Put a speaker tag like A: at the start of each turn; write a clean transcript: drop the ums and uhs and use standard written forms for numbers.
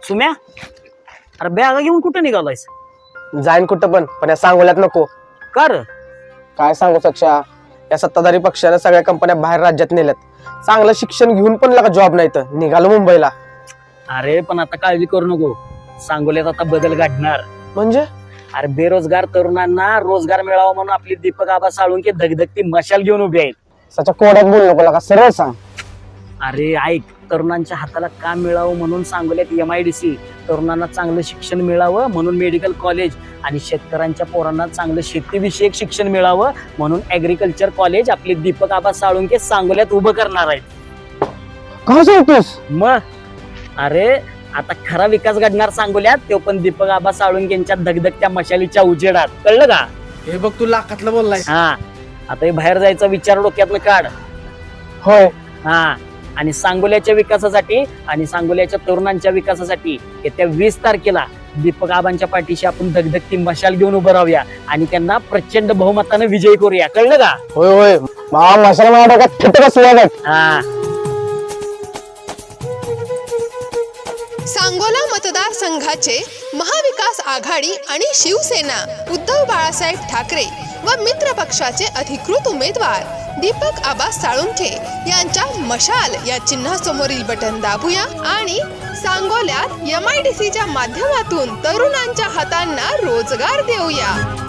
A: सुम्या, अरे बॅगा घेऊन कुठं निघालायस?
B: जाईन कुठं पण या सांगोल्यात नको.
A: कर
B: काय सांगू सक्षा, या सत्ताधारी पक्षाने सगळ्या कंपन्या बाहेर राज्यात नेल्यात. चांगलं शिक्षण घेऊन पण लगा जॉब नाही तर निघालो मुंबईला.
A: अरे पण आता काळजी करू नको, सांगोल्यात आता बदल घडणार.
B: म्हणजे
A: अरे बेरोजगार तरुणांना रोजगार मिळावा म्हणून आपली दीपक आबा साळुंके धगधगती मशाल घेऊन उभी आहेत.
B: सच्या कोड्यात बोलू नको लगा, सरळ सांग.
A: अरे ऐक, तरुणांच्या हाताला काम मिळावं म्हणून सांगोल्यात MIDC, तरुणांना चांगलं शिक्षण मिळावं म्हणून मेडिकल कॉलेज आणि शेतकऱ्यांच्या पोरांना चांगलं शेतीविषयक शिक्षण मिळावं म्हणून ऍग्रिकल्चर कॉलेज आपले दीपक आबा साळुंके सांगोल्यात उभं करणार आहेत.
B: काय सांगतोस?
A: मग अरे आता खरा विकास घडणार सांगोल्यात, तो पण दीपक आबा साळुंकेंच्या धगधगत्या मशालीच्या उजेडात. कळलं का?
B: हे बघ तू लाखातलं बोललाय.
A: हा, आता हे बाहेर जायचा विचार डोक्यातनं काढ.
B: होय.
A: हा, आणि सांगोल्याच्या विकासासाठी आणि सांगोल्याच्या तरुणांच्या विकासासाठी येत्या 20 तारखेला दीपक आबांच्या पाठीशी आपण धगधगती मशाल घेऊन उभं राहूया आणि त्यांना प्रचंड बहुमतानं विजयी करूया. कळलं का?
B: होय होय, मशाल माझ्या डोक्यात फिट बसल्या बघ.
A: हा.
C: सांगोला मतदारसंघाचे महाविकास आघाडी आणि शिवसेना उद्धव बाळासाहेब ठाकरे व मित्र पक्षाचे अधिकृत उमेदवार दीपक आबा साळुंखे यांच्या मशाल या चिन्हासमोरील बटन दाबूया आणि सांगोल्यात MIDCच्या माध्यमातून तरुणांच्या हातांना रोजगार देऊया.